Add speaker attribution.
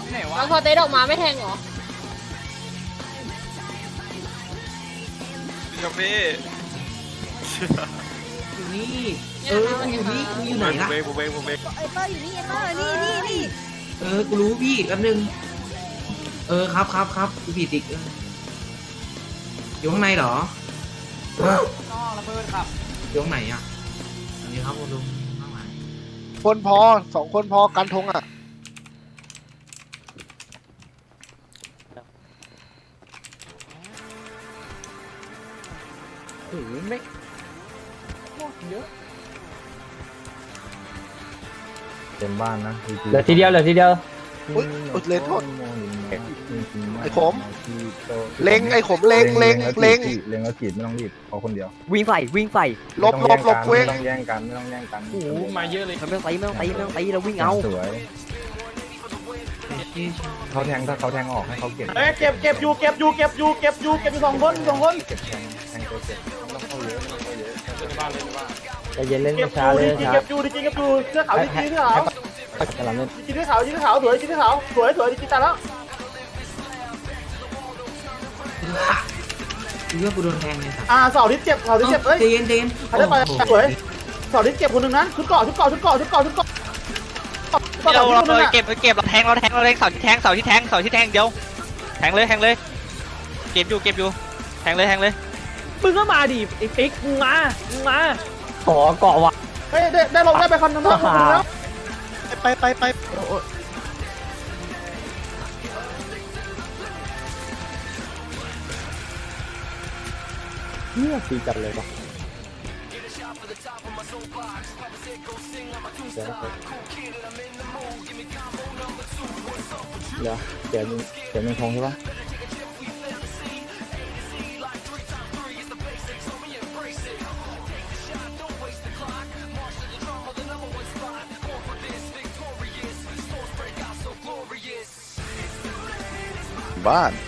Speaker 1: ไหนวะ
Speaker 2: แล้วพอเตะดอกมาไม่แทงเหรอ
Speaker 1: กับพี่
Speaker 3: อยู่นี่มันอยู่นี่มึงอยู่ไหนล่ะ
Speaker 1: ผมเอง
Speaker 4: ไอเปอร์อยู่นี่ไอเปอร์นี่
Speaker 3: กูรู้พี่แป๊บนึงครับกูผิดอีกอยู่ข้างในเหรอ
Speaker 1: น้องระเบิดครับ
Speaker 3: อยู่ข้างไหนอ่ะอันนี้ครับคุณลุงข้างหลัง
Speaker 5: คนพอ2 คนพอกันธงอ่ะ
Speaker 3: โอ้โหไม่
Speaker 6: เต็มบ้านนะ
Speaker 7: เหลือทีเดียว
Speaker 5: อุ้ยเลนโทษไอ้ขมเล็งไอ้ขมเล็ง
Speaker 6: เล็งแล้วขีดไม่ต้องรีบขอคนเดียว
Speaker 7: วิ่งใส่
Speaker 5: ลบเว้ง
Speaker 6: ไม่ต้องแย่งกัน
Speaker 1: โอ้โหมาเยอะเลย
Speaker 7: ไม่ต้องตีเราวิ่งเอา
Speaker 6: สวยเขาแทงถ้าเขาแทงออกให้เขาเก็บ
Speaker 1: เอ้ยเก็บอยู่2 คน
Speaker 6: เก็บแทงตัวเก็บต้องเข้าเยอะไม่ต้องเข้าเยอะ
Speaker 7: ใจเย็นเล่น
Speaker 1: เก็บ
Speaker 7: ช้า
Speaker 1: อยู่
Speaker 7: เลย
Speaker 1: ดี
Speaker 7: ช้า
Speaker 1: เก็บอยู่เสื้อขาวดีเสื้อขาว
Speaker 7: กำลังเล่น
Speaker 1: ดีเสื้อขาวสวยดีเสื้อขาวสวยดีตาแล้ว
Speaker 3: คือว่ากูโดนแทงเนี่ยสัตว์
Speaker 1: เสาที่เจ็บเอ้ย
Speaker 3: เย็น
Speaker 1: ใครได้ไปสวยเสาที่เจ็บคนนึงนะชุดเกาะเรา
Speaker 8: เก็บเราแทงเสาที่แทงเดียวแทงเลยเก็บอยู่แทงเลย
Speaker 7: มึงก็มาดิไอ้ปิ๊กมึงมาขอเกาะว่ะ
Speaker 1: เฮ้ยได้ลงได้ไปคันนึงแล้ว
Speaker 5: ไป
Speaker 7: เนี่ยตีจัดเลยป่ะเดี๋ยวมึงทงใช่ปะ
Speaker 5: บ้าน